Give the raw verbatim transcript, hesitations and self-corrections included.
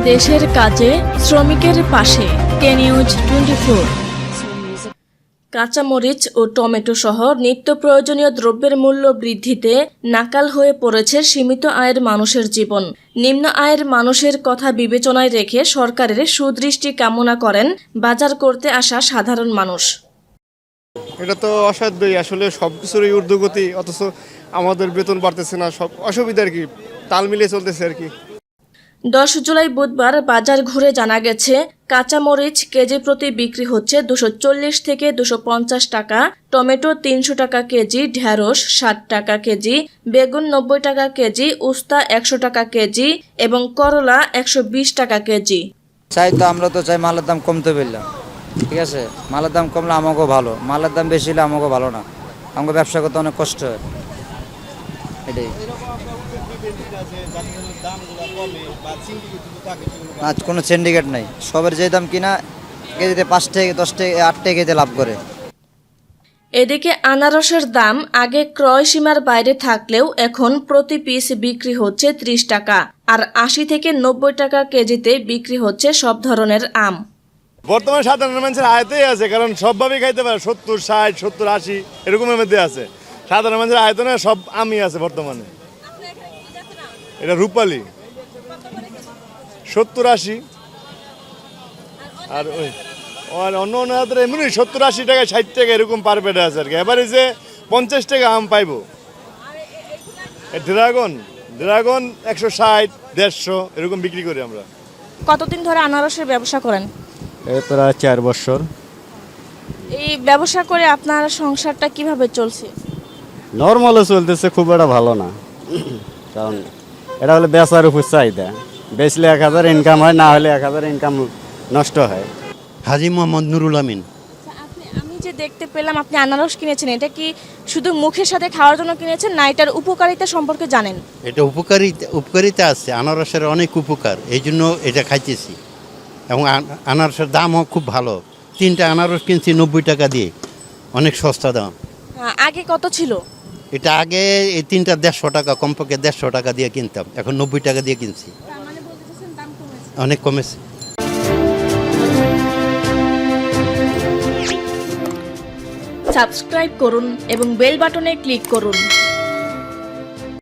দেশের কাজে শ্রমিকের পাশে কে নিউজ টোয়েন্টি ফোর। কাঁচামরিচ ও টমেটো সহ নিত্য প্রয়োজনীয় দ্রব্যের মূল্য বৃদ্ধিতে নাকাল হয়ে পড়েছে সীমিত আয়ের মানুষের জীবন। নিম্ন আয়ের মানুষের কথা বিবেচনায় রেখে সরকারের সুদৃষ্টি কামনা করেন বাজার করতে আসা সাধারণ মানুষ। এটা তো অসাধ্যই, আসলে সব কিছুরই ঊর্ধ্বগতি, অথচ আমাদের বেতন বাড়তেছে না, সব অসুবিধা আর কি, তাল মিলিয়ে চলতেছে আর কি। দশ জুলাই বুধবার বাজার ঘুরে জানা গেছে কাঁচামরিচ কেজি প্রতি বিক্রি হচ্ছে দুশো চল্লিশ থেকে দুশো পঞ্চাশ টাকা, টমেটো তিনশো টাকা কেজি, ঢেঁড়স ষাট টাকা কেজি, বেগুন নব্বই টাকা কেজি, উস্তা একশো টাকা কেজি এবং করলা একশো বিশ টাকা কেজি। চাই তো আমরা তো চাই মালের দাম কমতে পারলাম, ঠিক আছে, মালের দাম কমলে আমাকেও ভালো, মালের দাম বেশি হলে আমাকেও ভালো না, আমাকে ব্যবসা করতে অনেক কষ্ট হয়, এটাই। আজ কোনো সিন্ডিকেট নাই, সবের যে দাম কিনা কেজিতে পাঁচ টাকা দশ টাকা আট টাকা কেজিতে লাভ করে। এদিকে আনারসের দাম আগে ক্রয় সীমার বাইরে থাকলেও এখন প্রতি পিস বিক্রি হচ্ছে ত্রিশ টাকা, আর আশি থেকে নব্বই টাকা কেজিতে বিক্রি হচ্ছে সব ধরনের আম। বর্তমানে সাধারণ মানুষের আয়তেই আছে, কারণ সবভাবেই খাইতে পারে, সত্তর ষাট সত্তর আশি এরকমের মধ্যে আছে। সাধারণ মানুষের আয়তনে সব আমই আছে বর্তমানে। এটা রূপালী সত্তর আশি, আর ওই আর অন্য অন্য এমনি সত্তর আশি টাকা ষাট টাকা এরকম পার পেটে আছে আর কি। এবারে যে পঞ্চাশ টাকা আম পাইবো। ড্রাগন ড্রাগন একশো ষাট দেড়শো এরকম বিক্রি করি আমরা। কতদিন ধরে আনারসের ব্যবসা করেন? এই প্রায় চার বছর। এই ব্যবসা করে আপনার সংসারটা কিভাবে চলছে? নর্মালও চলতেছে, খুব একটা ভালো না, কারণ এটা হলে বেচার উপর চাহিদা, বেচলে এক হাজার ইনকাম হয়, না হলে এক হাজার ইনকাম নষ্ট হয়। হাজি মোহাম্মদ নুরুল আমিন। আমি যে দেখতে পেলাম আপনি আনারস কিনেছেন, এটা কি শুধু মুখের সাথে খাওয়ার জন্য কিনেছেন, না এটার উপকারিতা সম্পর্কে জানেন? এটা উপকারিতা উপকারিতা আছে, আনারসের অনেক উপকার, এই জন্য এটা খাইতেছি। এবং আনারসের দামও খুব ভালো। তিনটা আনারস কিনছি নব্বই টাকা দিয়ে, অনেক সস্তা দাম। আগে কত ছিল? এটা আগে এই তিনটা দেড়শো টাকা, কমপক্ষে দেড়শো টাকা দিয়ে কিনতাম, এখন নব্বই টাকা দিয়ে কিনছি, অনেক কমেছে। সাবস্ক্রাইব করুন এবং বেল বাটনে ক্লিক করুন।